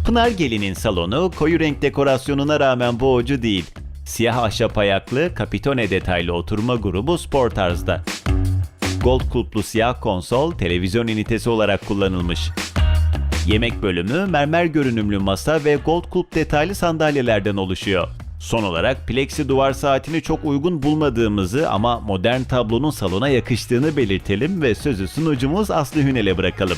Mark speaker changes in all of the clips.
Speaker 1: Pınar Gelin'in salonu koyu renk dekorasyonuna rağmen boğucu değil. Siyah ahşap ayaklı, kapitone detaylı oturma grubu spor tarzda. Gold kulplu siyah konsol televizyon ünitesi olarak kullanılmış. Yemek bölümü mermer görünümlü masa ve gold kulp detaylı sandalyelerden oluşuyor. Son olarak plexi duvar saatini çok uygun bulmadığımızı ama modern tablonun salona yakıştığını belirtelim ve sözü sunucumuz Aslı Hünel'e bırakalım.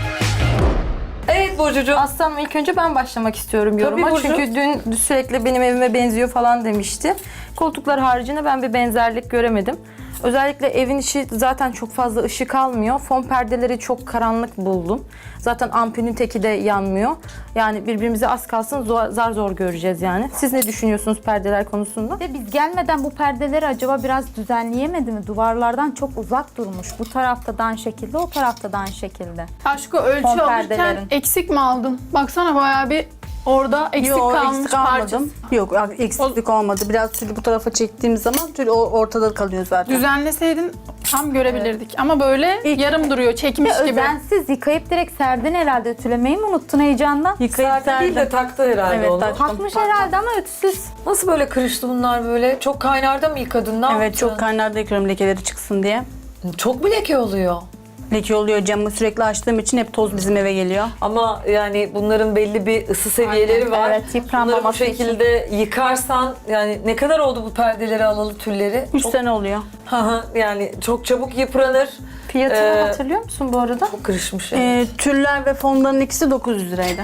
Speaker 2: Evet Burcucuğum.
Speaker 3: Aslanım ilk önce ben başlamak istiyorum yoruma.
Speaker 2: Burcu.
Speaker 3: Çünkü dün sürekli benim evime benziyor falan demişti. Koltuklar haricinde ben bir benzerlik göremedim. Özellikle evin içi zaten çok fazla ışık almıyor. Fon perdeleri çok karanlık buldum. Zaten ampulün teki de yanmıyor. Yani birbirimize az kalsın zar zor göreceğiz yani. Siz ne düşünüyorsunuz perdeler konusunda?
Speaker 4: Ve biz gelmeden bu perdeleri acaba biraz düzenleyemedi mi? Duvarlardan çok uzak durmuş. Bu tarafta da aynı şekilde, o tarafta da aynı şekilde.
Speaker 5: Aşkı ölçü
Speaker 4: Fon
Speaker 5: alırken
Speaker 4: perdelerin.
Speaker 5: eksik mi aldın? Baksana bayağı bir orada eksik
Speaker 6: Yok,
Speaker 5: kalmış
Speaker 6: eksik
Speaker 5: parçası.
Speaker 6: almadım. Yok, eksiklik olmadı. Biraz tülü bu tarafa çektiğim zaman tül ortada kalıyor zaten.
Speaker 5: Düzenleseydin tam görebilirdik. Ama böyle yarım duruyor, çekmiş
Speaker 4: Ve
Speaker 5: gibi.
Speaker 4: özensiz yıkayıp direkt serdin herhalde, ütülemeyi mi unuttun heyecandan?
Speaker 6: Yıkayıp
Speaker 2: Serpil değil de
Speaker 6: serdim.
Speaker 2: taktı herhalde
Speaker 6: Evet,
Speaker 2: onu.
Speaker 6: taktım.
Speaker 4: Takmış herhalde ama ütüsüz.
Speaker 2: Nasıl böyle kırıştı bunlar böyle? Çok kaynarda mı yıkadın? Ne
Speaker 6: Evet,
Speaker 2: yaptın?
Speaker 6: çok kaynarda yıkıyorum lekeleri çıksın diye.
Speaker 2: Çok mu leke oluyor?
Speaker 6: Leke oluyor, camı sürekli açtığım için hep toz bizim eve geliyor.
Speaker 2: Ama yani bunların belli bir ısı seviyeleri var.
Speaker 4: Evet, yıpranmaması
Speaker 2: Bunları bu şekilde yıkarsan yani ne kadar oldu bu perdeleri alalı tülleri?
Speaker 6: 3
Speaker 2: Çok-
Speaker 6: sene oluyor.
Speaker 2: Hı hı, yani çok çabuk yıpranır.
Speaker 3: Fiyatını hatırlıyor musun bu arada?
Speaker 2: Çok kırışmış yani.
Speaker 6: Tüller ve fonların ikisi 900 liraydı.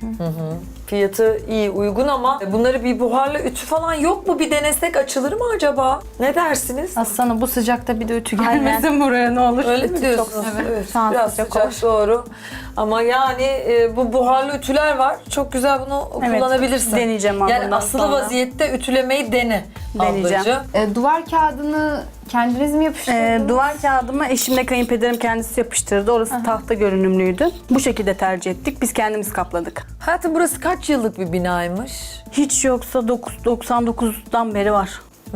Speaker 2: Fiyatı iyi, uygun ama bunları bir buharla ütü falan yok mu? Bir denesek açılır mı acaba? Ne dersiniz?
Speaker 3: Aslanım bu sıcakta bir de ütü gelmesin buraya ne olur.
Speaker 2: Öyle mi diyorsunuz? Evet.
Speaker 4: Şu an
Speaker 2: Biraz
Speaker 4: sıcak
Speaker 2: sıcak doğru. Ama yani bu buharlı ütüler var. Çok güzel bunu
Speaker 6: Evet,
Speaker 2: kullanabilirsin.
Speaker 6: deneyeceğim ama
Speaker 2: Yani
Speaker 6: bundan
Speaker 2: asılı
Speaker 6: sonra.
Speaker 2: vaziyette ütülemeyi dene
Speaker 6: Deneyeceğim.
Speaker 2: ablacığım.
Speaker 7: Duvar kağıdını kendiniz mi yapıştırdınız?
Speaker 6: Duvar kağıdımı eşimle kayınpederim kendisi yapıştırdı. Orası tahta görünümlüydü. Bu şekilde tercih ettik. Biz kendimiz kapladık.
Speaker 2: Hayatım burası kaç yıllık bir binaymış?
Speaker 6: Hiç yoksa 99'dan beri var.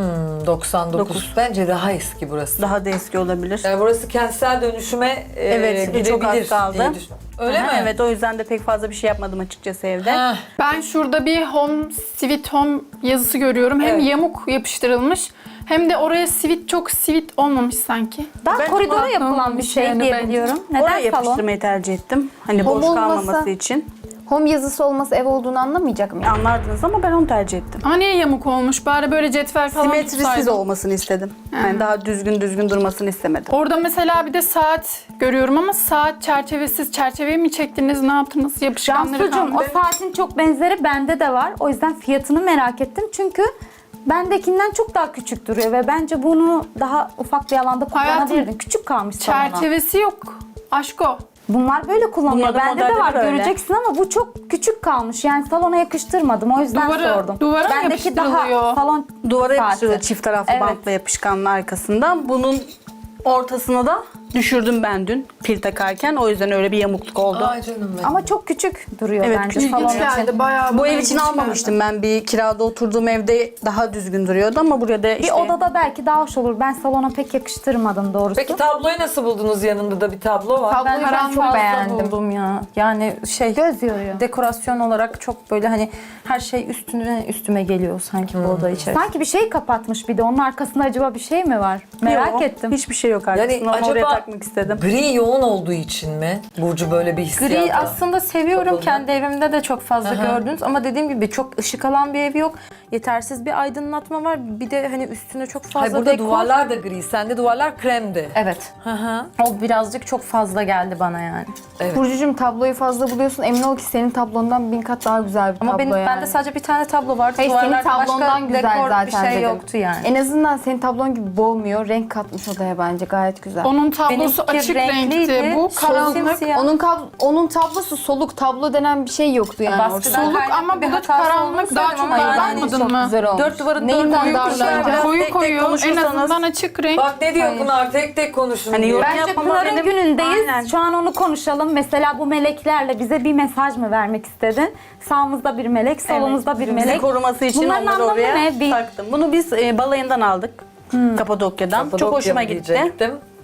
Speaker 2: 99. Bence daha eski burası.
Speaker 6: Daha da eski olabilir.
Speaker 2: Yani burası kentsel dönüşüme
Speaker 6: Evet,
Speaker 2: gidebilir
Speaker 6: çok az kaldı.
Speaker 2: diye düşünüyorum. Öyle
Speaker 6: Aha,
Speaker 2: mi?
Speaker 6: Evet, o yüzden de pek fazla bir şey yapmadım açıkçası evde.
Speaker 2: Heh.
Speaker 5: Ben şurada bir Home Sweet Home yazısı görüyorum. Hem
Speaker 2: Evet.
Speaker 5: yamuk yapıştırılmış hem de oraya çok sweet olmamış sanki.
Speaker 4: Daha
Speaker 6: Ben
Speaker 4: koridora
Speaker 5: kullandım
Speaker 4: yapılan bir
Speaker 5: bir
Speaker 4: şey
Speaker 5: şeyini
Speaker 4: diye
Speaker 5: bence.
Speaker 4: biliyorum.
Speaker 6: Oraya
Speaker 4: Neden salon?
Speaker 6: yapıştırmayı tercih ettim. Hani
Speaker 7: Home
Speaker 6: boş
Speaker 7: olmasa-
Speaker 6: kalmaması için.
Speaker 7: Home yazısı olması ev olduğunu anlamayacak mı?
Speaker 6: Anlardınız ama ben onu tercih ettim.
Speaker 5: Ama niye yamuk olmuş? Bari böyle cetvel falan
Speaker 6: Simetrisiz
Speaker 5: tutsaydın.
Speaker 6: olmasını istedim. Yani daha düzgün durmasını istemedim.
Speaker 5: Orada mesela bir de saat görüyorum ama saat çerçevesiz. Çerçeveyi mi çektiniz? Ne yaptınız? Yapışkanları
Speaker 4: Cansucuğum o
Speaker 5: kaldı.
Speaker 4: saatin çok benzeri bende de var. O yüzden fiyatını merak ettim. Çünkü bendekinden çok daha küçük duruyor ve bence bunu daha ufak bir alanda
Speaker 5: Hayatım,
Speaker 4: kullanabilirdin. Küçük kalmış salona.
Speaker 5: Çerçevesi yok. Aşko.
Speaker 4: Bunlar böyle kullanılıyor.
Speaker 6: Bunların
Speaker 4: Bende de
Speaker 6: modelleri
Speaker 4: var
Speaker 6: böyle.
Speaker 4: göreceksin ama bu çok küçük kalmış. Yani salona yakıştırmadım. O yüzden sordum.
Speaker 5: Duvara mı
Speaker 4: Bendeki daha
Speaker 5: yapıştırılıyor?
Speaker 4: salon
Speaker 6: Duvara
Speaker 4: saati.
Speaker 6: yapıştırıldı çift taraflı
Speaker 4: Evet.
Speaker 6: bantla yapışkanın arkasından. Bunun ortasına da düşürdüm ben dün pil takarken. O yüzden öyle bir yamukluk oldu.
Speaker 2: Ay canım benim.
Speaker 4: Ama çok küçük duruyor
Speaker 6: Evet,
Speaker 4: bence
Speaker 6: küçük
Speaker 4: salon
Speaker 5: İlginç
Speaker 4: için.
Speaker 5: geldi bayağı.
Speaker 6: Bu
Speaker 5: bana
Speaker 6: ev için
Speaker 5: ilginç
Speaker 6: almamıştım ben. Bir kirada oturduğum evde daha düzgün duruyordu ama buraya da
Speaker 4: Bir
Speaker 6: işte...
Speaker 4: odada belki daha hoş olur. Ben salona pek yakıştırmadım doğrusu.
Speaker 2: Peki tabloyu nasıl buldunuz? Yanında da bir tablo var.
Speaker 3: Ben
Speaker 5: karanlık
Speaker 3: çok
Speaker 5: fazla
Speaker 3: beğendim buldum ya. Yani
Speaker 4: Göz yoruyor.
Speaker 3: dekorasyon olarak çok böyle hani her şey üstüme geliyor sanki bu oda içerisinde.
Speaker 4: Sanki bir şey kapatmış bir de. Onun arkasında acaba bir şey mi var? Merak
Speaker 6: Yok,
Speaker 4: ettim.
Speaker 6: Hiçbir şey yok arkasında.
Speaker 2: Yani
Speaker 6: Onu oraya
Speaker 2: acaba
Speaker 6: takmak istedim.
Speaker 2: gri yoğun olduğu için mi? Burcu böyle bir hissiyat.
Speaker 3: Gri aslında seviyorum.
Speaker 2: Kapalı.
Speaker 3: Kendi evimde de çok fazla
Speaker 2: Aha.
Speaker 3: gördünüz ama dediğim gibi çok ışık alan bir ev yok. Yetersiz bir aydınlatma var. Bir de hani üstüne çok fazla
Speaker 2: Hayır, burada
Speaker 3: dekor.
Speaker 2: duvarlar da gri. Sende duvarlar kremdi.
Speaker 3: Evet.
Speaker 2: Hı hı.
Speaker 3: O birazcık çok fazla geldi bana yani.
Speaker 2: Evet.
Speaker 7: Burcucuğum tabloyu fazla buluyorsun. Emin ol ki senin tablondan 1000 kat daha güzel bir
Speaker 3: Ama
Speaker 7: tablo
Speaker 3: benim
Speaker 7: yani.
Speaker 3: bende sadece bir tane tablo vardı.
Speaker 7: Hayır, senin
Speaker 3: Duvarlarda
Speaker 7: tablondan
Speaker 3: başka
Speaker 7: güzel
Speaker 3: dekor
Speaker 7: zaten
Speaker 3: bir şey
Speaker 7: dedim.
Speaker 3: yoktu yani.
Speaker 7: En azından senin tablon gibi boğmuyor. Renk katmış odaya bence. Gayet güzel.
Speaker 5: Onun tablosu
Speaker 3: Benimki
Speaker 5: açık
Speaker 3: renkliydi,
Speaker 5: renkti. Bu karanlık.
Speaker 3: simsiyah.
Speaker 7: Onun tablosu soluk. Tablo denen bir şey yoktu yani.
Speaker 3: Baskıdan
Speaker 5: Soluk
Speaker 3: kaynaklı
Speaker 5: ama
Speaker 3: bir
Speaker 5: bu da
Speaker 3: hatası
Speaker 5: karanlık.
Speaker 3: olduğunu
Speaker 5: Daha
Speaker 3: söyledim
Speaker 5: çok
Speaker 3: ama yani
Speaker 5: daralmadın
Speaker 7: çok
Speaker 5: mı?
Speaker 7: güzel olmuş.
Speaker 3: Dört duvarın
Speaker 7: Neyinden
Speaker 3: dört boyu
Speaker 7: darlanacak?
Speaker 3: kuşlar.
Speaker 5: Koyu
Speaker 6: tek tek
Speaker 5: koyu. En
Speaker 6: konuşursanız-
Speaker 5: azından açık renk.
Speaker 2: Bak ne diyor Pınar? Tek tek konuşun
Speaker 6: Hani
Speaker 2: diyor.
Speaker 6: yorum
Speaker 4: Bence
Speaker 6: yapmama
Speaker 4: Pınar'ın
Speaker 6: benim-
Speaker 4: günündeyiz.
Speaker 6: Aynen.
Speaker 4: Şu an onu konuşalım. Mesela bu meleklerle bize bir mesaj mı vermek istedin? Sağımızda bir melek, solumuzda bir
Speaker 6: Bizi
Speaker 4: melek.
Speaker 6: koruması için
Speaker 4: Bunların
Speaker 6: onları
Speaker 4: anlamı
Speaker 6: oraya
Speaker 4: ne?
Speaker 6: taktım. Bunu biz balayından aldık. Kapadokya'dan. Çok
Speaker 2: Kapadokya
Speaker 6: hoşuma
Speaker 2: mı
Speaker 6: gitti.
Speaker 2: diyecektim.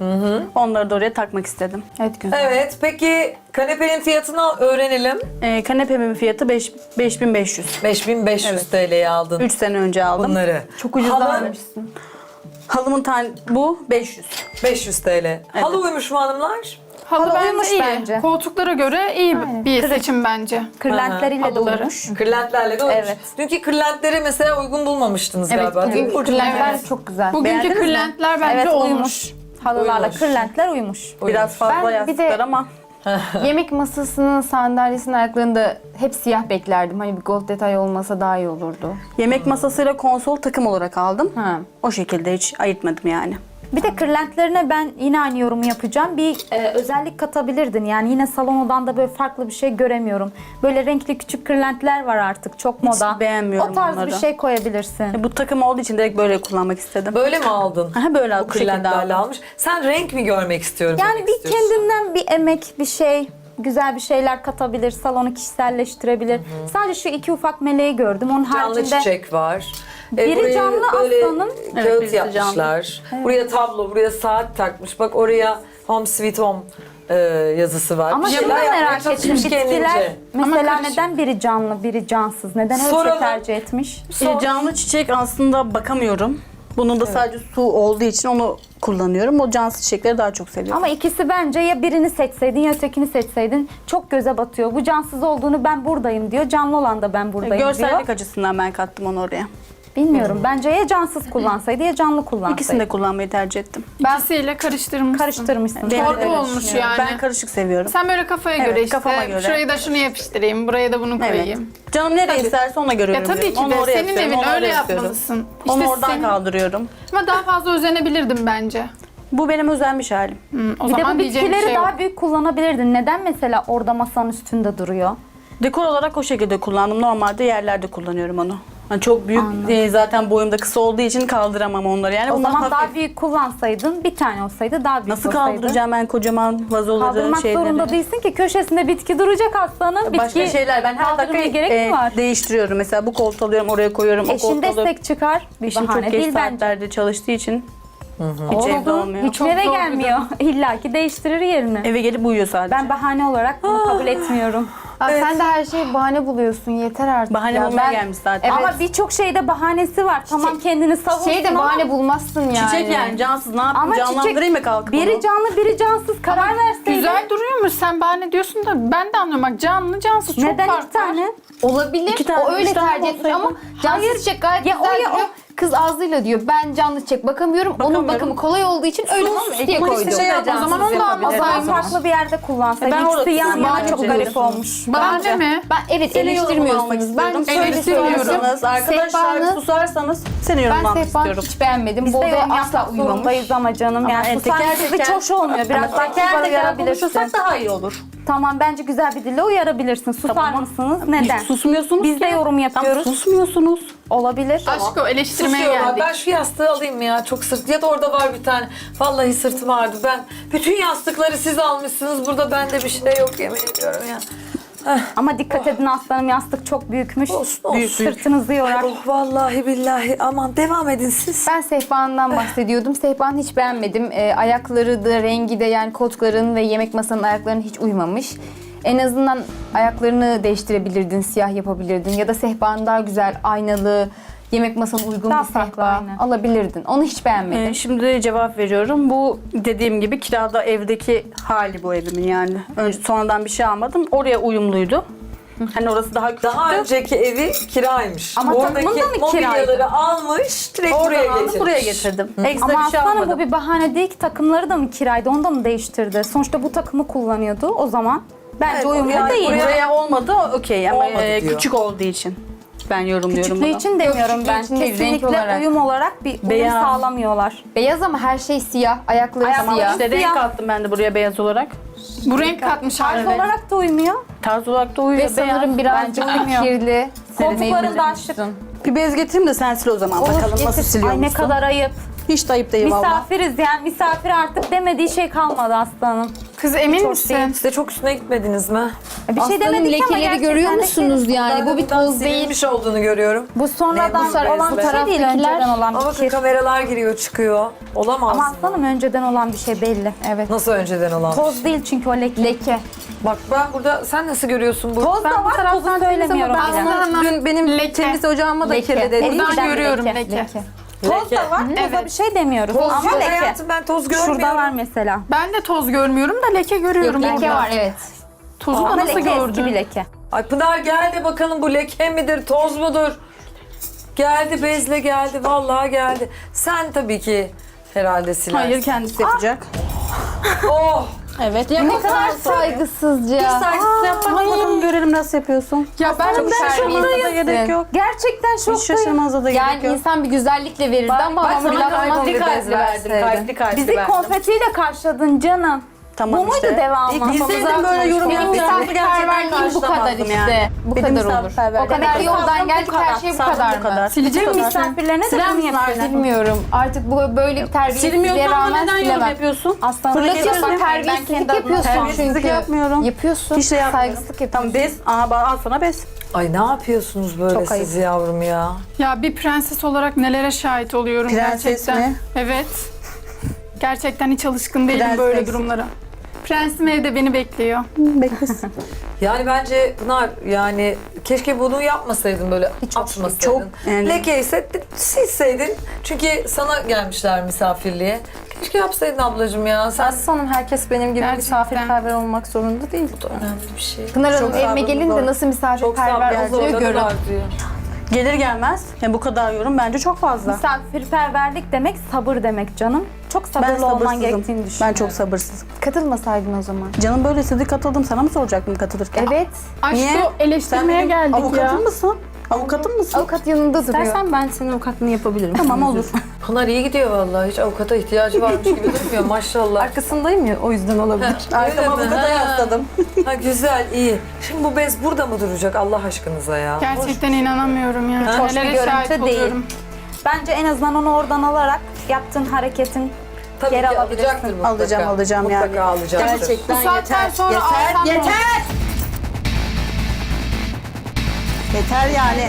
Speaker 6: Onları da oraya takmak istedim.
Speaker 7: Evet güzel.
Speaker 2: Evet, peki kanepenin fiyatını öğrenelim.
Speaker 6: Kanepemin fiyatı 5500.
Speaker 2: 5500 TL'ye aldın
Speaker 6: 3 sene önce aldım.
Speaker 2: bunları.
Speaker 7: Çok ucuz
Speaker 2: Halı
Speaker 7: almışsın.
Speaker 6: Halımın tane bu 500.
Speaker 2: 500 TL. Halı uymuş mu hanımlar?
Speaker 5: Halı
Speaker 3: Halı
Speaker 5: bence
Speaker 3: uymuş
Speaker 5: iyi.
Speaker 3: bence.
Speaker 5: Koltuklara göre iyi bir seçim bence.
Speaker 3: Kırlentleriyle de
Speaker 5: Halıları.
Speaker 3: uymuş.
Speaker 2: Kırlentlerle de uymuş.
Speaker 3: Evet.
Speaker 2: Dünkü kırlentleri mesela uygun bulmamıştınız
Speaker 7: Evet,
Speaker 2: galiba. değil mi?
Speaker 7: bugün kırlentler çok güzel.
Speaker 5: Bugünkü
Speaker 6: Beğendiniz mi?
Speaker 5: kırlentler bence
Speaker 3: Evet
Speaker 5: olmuş.
Speaker 3: uymuş. Halılarla
Speaker 2: Uymuş.
Speaker 3: kırlentler uymuş.
Speaker 6: Biraz fazla
Speaker 7: Ben bir de-
Speaker 6: yastıklar ama
Speaker 7: Yemek masasının sandalyesinin ayaklarında hep siyah beklerdim. Hani bir gold detay olmasa daha iyi olurdu.
Speaker 6: yemek masasıyla konsol takım olarak aldım.
Speaker 7: Ha.
Speaker 6: O şekilde hiç ayırtmadım yani.
Speaker 3: Bir de kırlentlerine ben yine aynı yorumu yapacağım. Bir özellik katabilirdin. Yani yine salon odanda böyle farklı bir şey göremiyorum. Böyle renkli küçük kırlentler var artık. Çok moda.
Speaker 6: beğenmiyorum
Speaker 3: O tarz
Speaker 6: onları.
Speaker 3: bir şey koyabilirsin.
Speaker 6: Bu takım olduğu için direkt böyle kullanmak istedim.
Speaker 2: Böyle mi aldın?
Speaker 6: Aha, böyle
Speaker 2: Bu
Speaker 6: bu şekilde
Speaker 2: kırlentlerle
Speaker 6: aldım.
Speaker 2: almış. Sen renk mi görmek istiyorum
Speaker 3: Yani
Speaker 2: demek
Speaker 3: bir
Speaker 2: istiyorsun?
Speaker 3: kendinden bir emek, bir şey, güzel bir şeyler katabilir. Salonu kişiselleştirebilir. Sadece şu iki ufak meleği gördüm. Onun
Speaker 2: Canlı
Speaker 3: haricinde
Speaker 2: çiçek var.
Speaker 3: Biri
Speaker 2: Burayı
Speaker 3: canlı
Speaker 2: böyle
Speaker 3: aslanım.
Speaker 6: Evet,
Speaker 2: kağıt
Speaker 6: birisi
Speaker 2: yapmışlar. Buraya tablo, buraya saat takmış. Bak oraya Home Sweet Home yazısı var.
Speaker 3: ama
Speaker 2: Bir
Speaker 3: şunu
Speaker 2: şeyler
Speaker 3: da merak
Speaker 2: yapmaya
Speaker 3: ettim.
Speaker 2: çalışmış
Speaker 3: Bitkiler
Speaker 2: kendince.
Speaker 3: mesela
Speaker 5: karışık.
Speaker 3: neden biri canlı, biri cansız? Neden öyle bir
Speaker 2: Soralım.
Speaker 3: şey tercih etmiş?
Speaker 6: Canlı çiçek aslında bakamıyorum. Bunun da sadece su olduğu için onu kullanıyorum. O cansız çiçekleri daha çok seviyorum.
Speaker 3: Ama ikisi bence ya birini seçseydin ya ötekini seçseydin çok göze batıyor. Bu cansız olduğunu ben buradayım diyor. Canlı olan da ben buradayım
Speaker 6: Görsellik
Speaker 3: diyor.
Speaker 6: açısından ben kattım onu oraya.
Speaker 3: Bilmiyorum. Bence ya cansız kullansaydı ya canlı kullansaydı.
Speaker 6: İkisini de kullanmayı tercih ettim.
Speaker 5: İkisiyle karıştırmışsın.
Speaker 3: karıştırmışsın.
Speaker 6: Benim
Speaker 5: Torba
Speaker 6: de öyle
Speaker 5: olmuş
Speaker 6: düşünüyorum.
Speaker 5: yani.
Speaker 6: Ben karışık seviyorum.
Speaker 5: Sen böyle kafaya
Speaker 6: Evet,
Speaker 5: göre işte.
Speaker 6: kafama göre.
Speaker 5: Şurayı da şunu yapıştırayım, buraya da bunu koyayım.
Speaker 6: Canım nereye isterse ona göre
Speaker 5: Ya tabii ki
Speaker 6: örüyorum.
Speaker 5: de
Speaker 6: Onu oraya
Speaker 5: senin
Speaker 6: istiyorum,
Speaker 5: evin
Speaker 6: onu
Speaker 5: öyle
Speaker 6: oraya istiyorum.
Speaker 5: yapmalısın.
Speaker 6: Onu
Speaker 5: İşte
Speaker 6: oradan
Speaker 5: senin-
Speaker 6: kaldırıyorum.
Speaker 5: Ama daha fazla özenebilirdim bence.
Speaker 6: Bu benim özenmiş halim.
Speaker 5: O
Speaker 3: Bir de
Speaker 5: zaman
Speaker 3: bu
Speaker 5: diyeceğim bir
Speaker 3: bitkileri
Speaker 5: şey yok.
Speaker 3: daha büyük kullanabilirdin. Neden mesela orada masanın üstünde duruyor?
Speaker 6: Dekor olarak o şekilde kullandım. Normalde yerlerde kullanıyorum onu. Hani çok büyük zaten boyumda kısa olduğu için kaldıramam onları. Yani
Speaker 3: O
Speaker 6: bunlar
Speaker 3: zaman
Speaker 6: hafif.
Speaker 3: daha büyük kullansaydın bir tane olsaydı daha büyük
Speaker 6: Nasıl
Speaker 3: olsaydı.
Speaker 6: kaldıracağım ben kocaman vazoları,
Speaker 3: Kaldırmak
Speaker 6: şeyleri.
Speaker 3: zorunda değilsin ki köşesinde bitki duracak aslanın.
Speaker 6: Başka
Speaker 3: Bitki
Speaker 6: şeyler ben her
Speaker 3: kaldırmaya
Speaker 6: dakika
Speaker 3: gerek mi var?
Speaker 6: değiştiriyorum. Mesela bu koltuğu alıyorum oraya koyuyorum. O
Speaker 3: Eşin
Speaker 6: koltuğu alıyorum.
Speaker 3: destek çıkar. Bir
Speaker 6: Eşim çok
Speaker 3: bahane
Speaker 6: geç
Speaker 3: değil bence.
Speaker 6: saatlerde çalıştığı için hiç evde
Speaker 3: Oldu.
Speaker 6: olmuyor.
Speaker 3: Hiç
Speaker 5: Çok
Speaker 3: eve
Speaker 5: zor bir
Speaker 3: gelmiyor. İlla ki değiştirir yerini.
Speaker 6: Eve gelip uyuyor sadece.
Speaker 3: Ben bahane olarak bunu kabul etmiyorum.
Speaker 7: Aa, sen de her şeyi bahane buluyorsun. Yeter artık.
Speaker 6: Bahane
Speaker 7: ya.
Speaker 6: bulmaya
Speaker 7: Ben-
Speaker 6: gelmiş zaten.
Speaker 7: Evet.
Speaker 3: Ama birçok şeyde bahanesi var. Tamam kendini savunsun
Speaker 7: Şey de
Speaker 3: ama
Speaker 7: bahane bulmazsın yani.
Speaker 6: Çiçek yani cansız ne yapayım
Speaker 3: Ama
Speaker 6: canlandırayım mı kalkıp
Speaker 3: biri
Speaker 6: onu?
Speaker 3: canlı biri cansız karar verseydin.
Speaker 5: Güzel duruyormuş. Sen bahane diyorsun da ben de anlıyorum. Bak canlı cansız çok
Speaker 3: Neden
Speaker 5: fark
Speaker 3: iki tane?
Speaker 5: var.
Speaker 7: Olabilir.
Speaker 6: İki tane,
Speaker 7: O öyle
Speaker 6: üç tane
Speaker 7: tercih etmiş
Speaker 6: olsaydı.
Speaker 7: ama cansız çiçek gayet
Speaker 3: Ya
Speaker 7: güzel
Speaker 3: o ya
Speaker 7: duruyor. Kız ağzıyla diyor ben canlı çiçek bakamıyorum. Onun
Speaker 6: Bakamıyorum.
Speaker 7: bakımı kolay olduğu için öyle sus diye
Speaker 6: Ama
Speaker 7: koydum.
Speaker 6: işte şey yapmaz,
Speaker 5: O zaman onu da
Speaker 6: yapabilir.
Speaker 3: O zaman
Speaker 5: almasaydım.
Speaker 3: farklı bir yerde kullansaydı.
Speaker 6: Ben orada
Speaker 3: İkisi yan
Speaker 6: tutmam
Speaker 3: yana çok
Speaker 6: bence.
Speaker 3: garip olmuş.
Speaker 5: Bahane mi?
Speaker 7: Ben evet
Speaker 6: Senin yorumunu almak
Speaker 7: eleştirmiyorsunuz. Ben
Speaker 6: istiyorum.
Speaker 7: şöyle
Speaker 5: Eleştirmiyorum.
Speaker 7: söylüyorum.
Speaker 6: Susarsanız, arkadaşlar
Speaker 7: Sehpanı-
Speaker 6: susarsanız senin yorumunu
Speaker 7: Ben
Speaker 6: almak
Speaker 7: sehpanı
Speaker 6: istiyorum.
Speaker 7: hiç beğenmedim.
Speaker 3: Biz
Speaker 7: Bu
Speaker 3: de
Speaker 7: odaya
Speaker 3: yorum
Speaker 7: asla
Speaker 3: yapmak
Speaker 7: uymamış.
Speaker 3: zorundayız ama canım. Yani
Speaker 6: Yani
Speaker 3: susarsanız hiç hoş olmuyor. Biraz
Speaker 6: Ama
Speaker 3: daha
Speaker 6: teker
Speaker 3: kibar
Speaker 6: teker
Speaker 3: uyarabilirsin.
Speaker 6: konuşursak daha iyi olur.
Speaker 3: Tamam bence güzel bir dille uyarabilirsin. Susar
Speaker 6: Tamam.
Speaker 3: mısınız? Neden?
Speaker 6: Hiç susmuyorsunuz
Speaker 3: Biz de
Speaker 6: ki.
Speaker 3: yorum yapıyoruz.
Speaker 6: Tamam, susmuyorsunuz.
Speaker 3: Olabilir.
Speaker 5: Aşk o eleştirmeye
Speaker 2: Susuyorlar.
Speaker 5: geldik.
Speaker 2: Ben şu yastığı alayım mı ya? Çok sırt. Ya da orada var bir tane. Vallahi sırtım ağrıdı. Ben bütün yastıkları siz almışsınız. Burada bende bir şey yok yemin ediyorum ya.
Speaker 3: Ama dikkat edin aslanım yastık çok büyükmüş.
Speaker 2: Olsun, olsun.
Speaker 3: Sırtınızı yorar.
Speaker 2: Oh vallahi billahi. Aman devam edin siz.
Speaker 7: Ben sehpandan bahsediyordum. Sehpanı hiç beğenmedim. Ayakları da rengi de yani koltukların ve yemek masanın ayaklarına hiç uymamış. En azından ayaklarını değiştirebilirdin, siyah yapabilirdin ya da sehpanı daha güzel, aynalı, yemek masana uygun
Speaker 3: Daha
Speaker 7: bir
Speaker 3: farklı,
Speaker 7: sehpa
Speaker 3: aynen.
Speaker 7: alabilirdin. Onu hiç beğenmedim.
Speaker 6: Şimdi cevap veriyorum. Bu dediğim gibi kirada evdeki hali bu evimin yani. Önce sonradan bir şey almadım. Oraya uyumluydu. Hani orası daha küçüktü.
Speaker 2: Daha önceki evi kiraymış.
Speaker 3: Ama
Speaker 2: oradaki
Speaker 3: takımında mı
Speaker 2: mobilyaları
Speaker 3: kiraydı?
Speaker 2: almış, direkt
Speaker 6: Oradan
Speaker 2: buraya
Speaker 6: aldım,
Speaker 2: getirmiş.
Speaker 6: buraya getirdim. Ekstra
Speaker 3: Ama
Speaker 6: bir şey
Speaker 3: aslanım
Speaker 6: almadım.
Speaker 3: bu bir bahane değil ki takımları da mı kiraydı onu da mı değiştirdi? Sonuçta bu takımı kullanıyordu o zaman. Bence
Speaker 2: Evet,
Speaker 3: uyumlu
Speaker 2: yani
Speaker 3: değil.
Speaker 6: Buraya olmadı, okey ama
Speaker 2: Olmadı diyor.
Speaker 6: küçük olduğu için. Ben yorumluyorum
Speaker 3: Küçüklüğü
Speaker 6: bunu.
Speaker 3: için demiyorum
Speaker 7: Yok,
Speaker 3: ben.
Speaker 7: küçüklüğü için değil,
Speaker 3: Kesinlikle
Speaker 7: renk olarak.
Speaker 3: uyum olarak bir uyum
Speaker 6: Beyaz.
Speaker 3: sağlamıyorlar.
Speaker 7: Beyaz ama her şey siyah, ayakları
Speaker 6: Tamam
Speaker 7: siyah.
Speaker 6: işte renk
Speaker 3: Siyah.
Speaker 6: kattım ben de buraya beyaz olarak.
Speaker 5: Bu renk katmış
Speaker 3: Tarz
Speaker 5: haline.
Speaker 3: olarak da uymuyor.
Speaker 6: Tarz olarak da uyuyor
Speaker 7: Ve sanırım birazcık
Speaker 3: Bence uymuyor.
Speaker 7: kirli.
Speaker 3: Koltukların da şık.
Speaker 6: Bir bez getireyim de sen sil o zaman bakalım nasıl
Speaker 3: Ay
Speaker 6: siliyormuşsun.
Speaker 3: ne kadar ayıp.
Speaker 6: Hiç de ayıp değil valla.
Speaker 4: Misafiriz yani misafir artık demediği şey kalmadı aslanım.
Speaker 5: Kız emin misin?
Speaker 2: Siz de çok üstüne gitmediniz mi?
Speaker 4: Bir şey
Speaker 7: Aslanım
Speaker 4: demedik ama
Speaker 7: lekeleri
Speaker 4: gerçekten
Speaker 7: görüyor
Speaker 4: de
Speaker 7: musunuz yani?
Speaker 2: Ben
Speaker 7: Bu
Speaker 2: de
Speaker 7: bir
Speaker 2: buradan
Speaker 7: toz değil.
Speaker 2: silinmiş olduğunu görüyorum.
Speaker 4: Bu sonradan
Speaker 2: Ne bu
Speaker 4: olan bir
Speaker 2: bezler?
Speaker 4: şey değil, önceden olan
Speaker 2: Ama
Speaker 4: bir
Speaker 2: bakın
Speaker 4: şey.
Speaker 2: kameralar giriyor çıkıyor. Olamaz
Speaker 4: Ama
Speaker 2: mı?
Speaker 4: aslanım önceden olan bir şey belli. Evet.
Speaker 2: Nasıl önceden olan?
Speaker 4: Toz değil çünkü o leke.
Speaker 7: Leke.
Speaker 2: Bak ben burada, sen nasıl görüyorsun bu?
Speaker 4: Toz da var, tozu söylemiyorum.
Speaker 5: Ben sana
Speaker 3: Dün benim
Speaker 5: Leke.
Speaker 3: temiz ocağıma da
Speaker 7: Leke.
Speaker 3: kirli
Speaker 5: Buradan
Speaker 3: dedi.
Speaker 5: görüyorum leke.
Speaker 4: Toz da var, toza bir şey demiyoruz.
Speaker 2: Toz
Speaker 4: Ama
Speaker 2: yok
Speaker 4: leke.
Speaker 2: hayatım, ben toz görmüyorum.
Speaker 4: Şurada var mesela.
Speaker 5: Ben de toz görmüyorum da leke görüyorum.
Speaker 7: Leke
Speaker 5: burada.
Speaker 7: var evet.
Speaker 5: Tozu da
Speaker 4: Ama
Speaker 5: nasıl
Speaker 4: leke eski
Speaker 5: gördün?
Speaker 4: bir leke.
Speaker 2: Ay Pınar gel de bakalım bu leke midir, toz mudur? Geldi, bezle geldi, vallahi geldi. Sen tabii ki herhalde silersin.
Speaker 6: Hayır kendisi yapacak.
Speaker 2: Oh!
Speaker 6: Evet.
Speaker 7: Ne kadar saygısızca.
Speaker 2: Saygısız yapmak.
Speaker 6: Bakalım görelim nasıl yapıyorsun.
Speaker 5: Ya ben
Speaker 6: Şaşırmanıza da gerek yok.
Speaker 4: Gerçekten
Speaker 6: Hiç
Speaker 4: şoktayım.
Speaker 6: şaşırmanıza da gerek
Speaker 7: Yani
Speaker 6: yok.
Speaker 7: insan bir güzellikle verirdi ama
Speaker 2: ben sana
Speaker 7: fırlatma.
Speaker 2: kalpli kalpli verdim, kalpli kalpli
Speaker 4: Bizi
Speaker 2: verdim.
Speaker 4: konfetiyle karşıladın canım.
Speaker 6: Tamam
Speaker 4: Bu muydu
Speaker 6: işte.
Speaker 4: devamı?
Speaker 6: Bilseydim böyle yorum
Speaker 7: Benim misafirperverliğim bu kadar işte. Bu
Speaker 6: Benim
Speaker 7: kadar olur.
Speaker 6: misafirperverliğim
Speaker 7: O kadar
Speaker 6: bu
Speaker 7: yoldan
Speaker 6: kadar.
Speaker 7: geldik her şey bu kadar mı?
Speaker 6: Silecek misin?
Speaker 4: Misafirlerine de bunu yapıyorlar.
Speaker 7: Bilmiyorum. Artık bu böyle bir terbiyesizliğe
Speaker 6: Silmiyorsan da
Speaker 7: rağmen
Speaker 6: neden yorum
Speaker 7: silemem.
Speaker 6: yapıyorsun?
Speaker 4: Aslanım
Speaker 7: Fırlatıyorsun,
Speaker 6: Ben
Speaker 7: terbiyesizlik
Speaker 4: kendi adıma
Speaker 7: yapıyorsun
Speaker 6: terbiyesizlik
Speaker 7: çünkü.
Speaker 6: yapmıyorum.
Speaker 7: Yapıyorsun.
Speaker 6: Hiç de yapmıyorum.
Speaker 7: Saygısızlık yapıyorsun.
Speaker 6: Tamam bez. Aha al sana bez.
Speaker 2: Ay ne yapıyorsunuz böyle
Speaker 4: Çok ayıp.
Speaker 2: siz yavrum ya?
Speaker 5: Ya bir prenses olarak nelere şahit oluyorum
Speaker 6: Prenses
Speaker 5: gerçekten.
Speaker 6: mi?
Speaker 5: Evet. Gerçekten hiç alışkın değilim
Speaker 6: Prenses.
Speaker 5: böyle durumlara. Prensim evde beni bekliyor.
Speaker 6: Beklesin.
Speaker 2: Yani bence Pınar, yani keşke bunu yapmasaydın, böyle atmasaydın.
Speaker 6: çok yani-
Speaker 2: Leke ise silseydin. Çünkü sana gelmişler misafirliğe. Keşke yapsaydın ablacığım ya. Sen
Speaker 3: Aslanım herkes benim gibi
Speaker 5: Gerçekten.
Speaker 3: misafirperver olmak zorunda değil.
Speaker 2: önemli bir şey.
Speaker 7: Pınar Hanım
Speaker 6: Çok
Speaker 7: evime
Speaker 6: sabrınız
Speaker 7: gelin
Speaker 6: var.
Speaker 7: de nasıl
Speaker 2: Çok
Speaker 7: misafirperver
Speaker 2: sabır
Speaker 7: olduğunu görün.
Speaker 2: var diyor.
Speaker 6: Gelir gelmez. Yani bu kadar yorum bence çok fazla.
Speaker 4: misafirperverlik demek sabır demek canım. Çok
Speaker 6: Ben
Speaker 4: sabırlı olman
Speaker 6: sabırsızım.
Speaker 4: gerektiğini düşünüyorum.
Speaker 6: Ben çok sabırsızım.
Speaker 7: Katılmasaydın o zaman.
Speaker 6: Canım böyle istedi katıldım. Sana mı soracaktım katılırken?
Speaker 7: Evet.
Speaker 5: Aşkı
Speaker 6: Niye?
Speaker 5: eleştirmeye
Speaker 6: benim
Speaker 5: geldik ya.
Speaker 6: avukatım mısın? Avukatım mısın?
Speaker 7: Avukat yanında duruyor.
Speaker 3: İstersen ben senin avukatlığını yapabilirim.
Speaker 6: Tamam olur.
Speaker 2: Pınar iyi gidiyor vallahi. Hiç avukata ihtiyacı varmış gibi durmuyor maşallah.
Speaker 3: Arkasındayım ya o yüzden olabilir.
Speaker 6: Arkama
Speaker 2: Öyle mi?
Speaker 6: avukata
Speaker 2: Ha.
Speaker 6: yasladım.
Speaker 2: Ha güzel, iyi. Şimdi bu bez burada mı duracak Allah aşkınıza ya?
Speaker 5: Gerçekten inanamıyorum ya.
Speaker 4: Hoş bir
Speaker 5: Nelere
Speaker 4: görüntü
Speaker 5: şahit
Speaker 4: değil.
Speaker 5: oluyorum.
Speaker 4: Bence en azından onu oradan alarak yaptığın hareketin
Speaker 2: Tabii
Speaker 4: geri
Speaker 2: ki
Speaker 4: alabilirsin.
Speaker 2: alacaktır mutlaka.
Speaker 6: Alacağım
Speaker 2: mutlaka
Speaker 6: yani.
Speaker 2: alacaktır.
Speaker 6: Gerçekten
Speaker 5: Bu saatten sonra alsam ne olur?
Speaker 6: Yeter yani.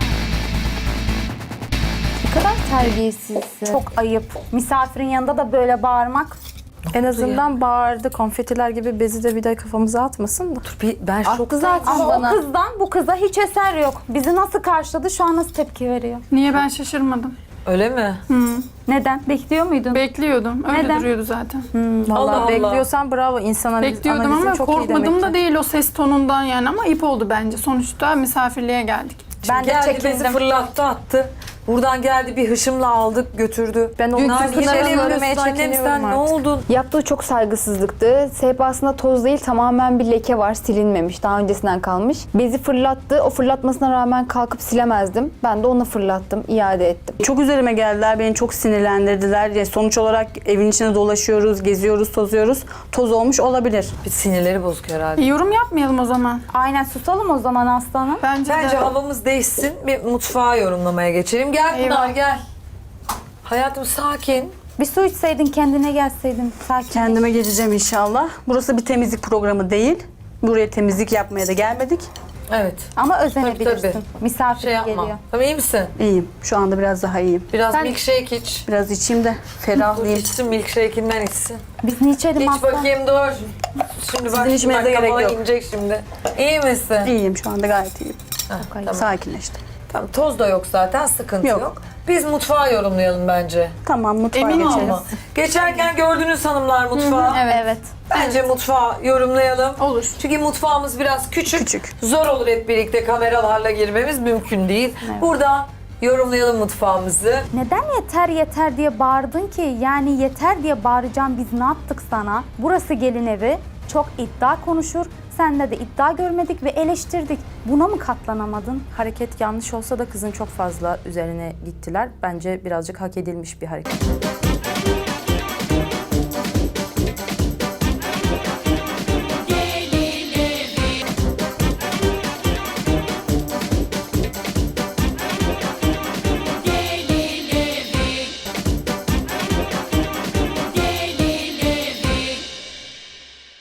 Speaker 7: Ne kadar terbiyesizsin.
Speaker 4: Çok ayıp. Misafirin yanında da böyle bağırmak.
Speaker 3: En azından bağırdı. Konfetiler gibi bezi de bir de kafamıza atmasın da.
Speaker 2: Ben
Speaker 7: Attı
Speaker 2: şok.
Speaker 7: zaten
Speaker 4: Ama
Speaker 7: bana.
Speaker 4: o kızdan bu kıza hiç eser yok. Bizi nasıl karşıladı, şu an nasıl tepki veriyor?
Speaker 5: Niye ben şaşırmadım?
Speaker 2: Öyle mi?
Speaker 4: Neden? Bekliyor muydun?
Speaker 5: Bekliyordum. Öyle
Speaker 4: Neden?
Speaker 5: duruyordu zaten.
Speaker 3: Vallahi
Speaker 2: Allah Allah.
Speaker 3: bekliyorsan bravo. İnsan
Speaker 5: Bekliyordum
Speaker 3: analizin
Speaker 5: ama
Speaker 3: çok iyi
Speaker 5: korkmadım
Speaker 3: demek
Speaker 5: da
Speaker 3: ki.
Speaker 5: değil o ses tonundan yani ama ayıp oldu bence. Sonuçta misafirliğe geldik.
Speaker 4: Ben de
Speaker 2: Geldi bezi
Speaker 4: çekindim.
Speaker 2: fırlattı attı. Buradan geldi bir hışımla aldık götürdü.
Speaker 3: Ben o
Speaker 2: Pınar,
Speaker 3: Pınar'ı
Speaker 2: niye böyle
Speaker 3: görmeye
Speaker 2: yapıyorsun annem,
Speaker 3: çekiniyorum
Speaker 2: sen ne
Speaker 3: artık.
Speaker 2: oldun?
Speaker 7: Yaptığı çok saygısızlıktı. Sehpasında toz değil tamamen bir leke var. Silinmemiş. Daha öncesinden kalmış. Bezi fırlattı. O fırlatmasına rağmen kalkıp silemezdim. Ben de onu fırlattım. İade ettim.
Speaker 6: Çok üzerime geldiler. Beni çok sinirlendirdiler. Yani sonuç olarak evin içinde dolaşıyoruz, geziyoruz, tozuyoruz. Toz olmuş olabilir.
Speaker 2: Bir sinirleri bozuk herhalde.
Speaker 5: Yorum yapmayalım o zaman.
Speaker 4: Aynen, susalım o zaman aslanım.
Speaker 5: Bence
Speaker 2: Bence
Speaker 5: de.
Speaker 2: havamız değişsin. Bir mutfağa yorumlamaya geçelim. Gel Pınar
Speaker 5: Eyvah.
Speaker 2: gel. Hayatım sakin.
Speaker 4: Bir su içseydin, kendine gelseydin. Sakin.
Speaker 6: Kendime geleceğim inşallah. Burası bir temizlik programı değil. Buraya temizlik yapmaya da gelmedik.
Speaker 2: Evet.
Speaker 4: Ama özenebilirsin.
Speaker 2: Tabii.
Speaker 4: Misafir
Speaker 2: Şey yapma.
Speaker 4: geliyor.
Speaker 2: Tamam, iyi misin?
Speaker 6: İyiyim. Şu anda biraz daha iyiyim.
Speaker 2: Biraz
Speaker 4: Sen-
Speaker 2: milkshake iç.
Speaker 6: Biraz içeyim de ferahlayayım.
Speaker 2: İçsin, milkshake'inden içsin.
Speaker 4: Biz ne içelim
Speaker 2: İç
Speaker 4: aslanım?
Speaker 2: bakayım dur. Şimdi bak,
Speaker 6: içmenize gerek
Speaker 2: kafana
Speaker 6: yok.
Speaker 2: inecek şimdi. İyi misin?
Speaker 6: İyiyim şu anda gayet iyiyim.
Speaker 2: Tamam.
Speaker 6: Sakinleştim.
Speaker 2: Tamam, toz da yok zaten, sıkıntı yok.
Speaker 6: Yok.
Speaker 2: Biz mutfağı yorumlayalım bence.
Speaker 6: Tamam mutfağa
Speaker 5: Emin
Speaker 6: geçelim.
Speaker 5: olma.
Speaker 2: Geçerken gördünüz hanımlar mutfağı.
Speaker 4: Evet.
Speaker 2: Bence mutfağı yorumlayalım.
Speaker 5: Olur.
Speaker 2: Çünkü mutfağımız biraz küçük.
Speaker 6: Küçük.
Speaker 2: Zor olur hep birlikte kameralarla girmemiz mümkün değil. Burada yorumlayalım mutfağımızı.
Speaker 4: Neden yeter yeter diye bağırdın ki? Yani yeter diye bağıracağım, biz ne yaptık sana? Burası gelin evi. Çok iddia konuşur. Sende de iddia görmedik ve eleştirdik. Buna mı katlanamadın?
Speaker 3: Hareket yanlış olsa da kızın çok fazla üzerine gittiler. Bence birazcık hak edilmiş bir hareket.